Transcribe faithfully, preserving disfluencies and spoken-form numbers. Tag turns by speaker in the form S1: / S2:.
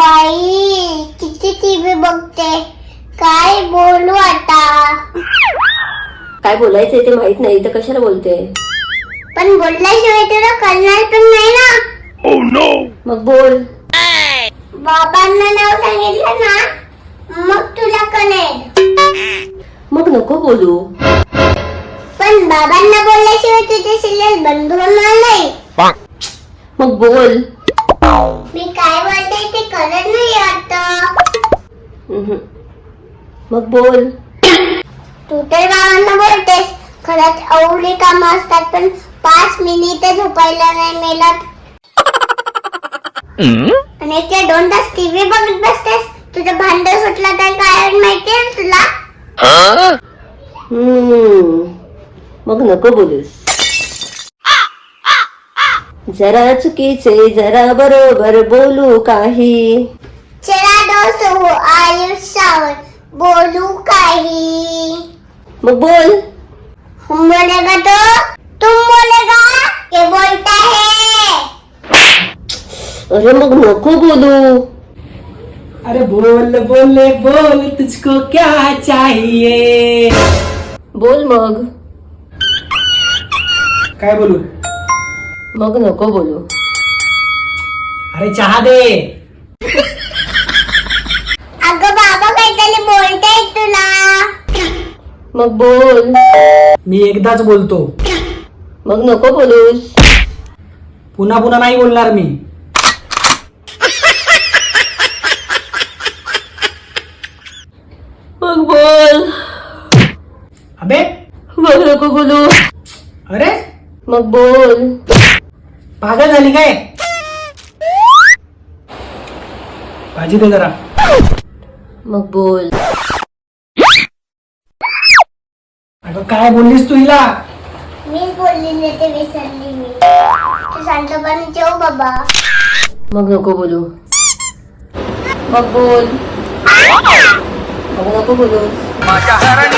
S1: बाई किती टीव्ही बघते, काय बोलू आता?
S2: काय बोलायचंय ते माहित नाही तर कशाला बोलते?
S1: पण बोलल्याशिवाय तुला कळणार पण नाही ना.
S3: Oh no!
S2: मग बोल.
S1: बाबांना नाव सांगितलं ना मग तुला कळेल.
S2: मग नको बोलू.
S1: पण बाबांना बोलल्याशिवाय तुझे सिरियल बंद होणार नाही.
S2: मग बोल.
S1: मी काय बोलते ते कळत नाही आता.
S2: उहुं. मग बोल.
S1: तू तर बाबांना बोलतेस, खरंच एवढी कामं असतात पण पाच मिनिट झोपायला नाही मिळत. आणि ते दोन तास टीव्ही बघत बसतेस. तुझं भांड सुटलं तर काय माहितीये तुला?
S2: हम्म. मग नको बोलूस. जरा चुकीचे जरा बरोबर बोलू काही.
S1: चला दोस्त हो आयुष्यावर बोलू काही.
S2: मग बोल.
S1: हम बोलेगा तो तुम बोलेगा ये बोलता है.
S2: अरे मग नको बोलू.
S4: अरे बोल बोले बोल तुझको क्या चाहिए.
S2: बोल मग.
S4: काय बोलू?
S2: मग नको बोलू.
S4: अरे चहा दे.
S1: अगं बाबा काहीतरी बोलताय तुला.
S2: मग बोल.
S4: मी एकदाच बोलतो,
S2: मग नको बोलूस.
S4: पुन्हा पुन्हा नाही बोलणार मी.
S2: मग बोल.
S4: अबे
S2: मग नको बोलू.
S4: अरे
S2: मग बोल.
S4: पागल झाली काय? भाजी दे जरा.
S2: मग बोल.
S4: अगं काय बोललीस तू हिला?
S1: मीच बोललेले ते विसरली मी. तू शांतपणे जेव बाबा.
S2: मग नको बोलू. मग बोल. मग नको बोलू.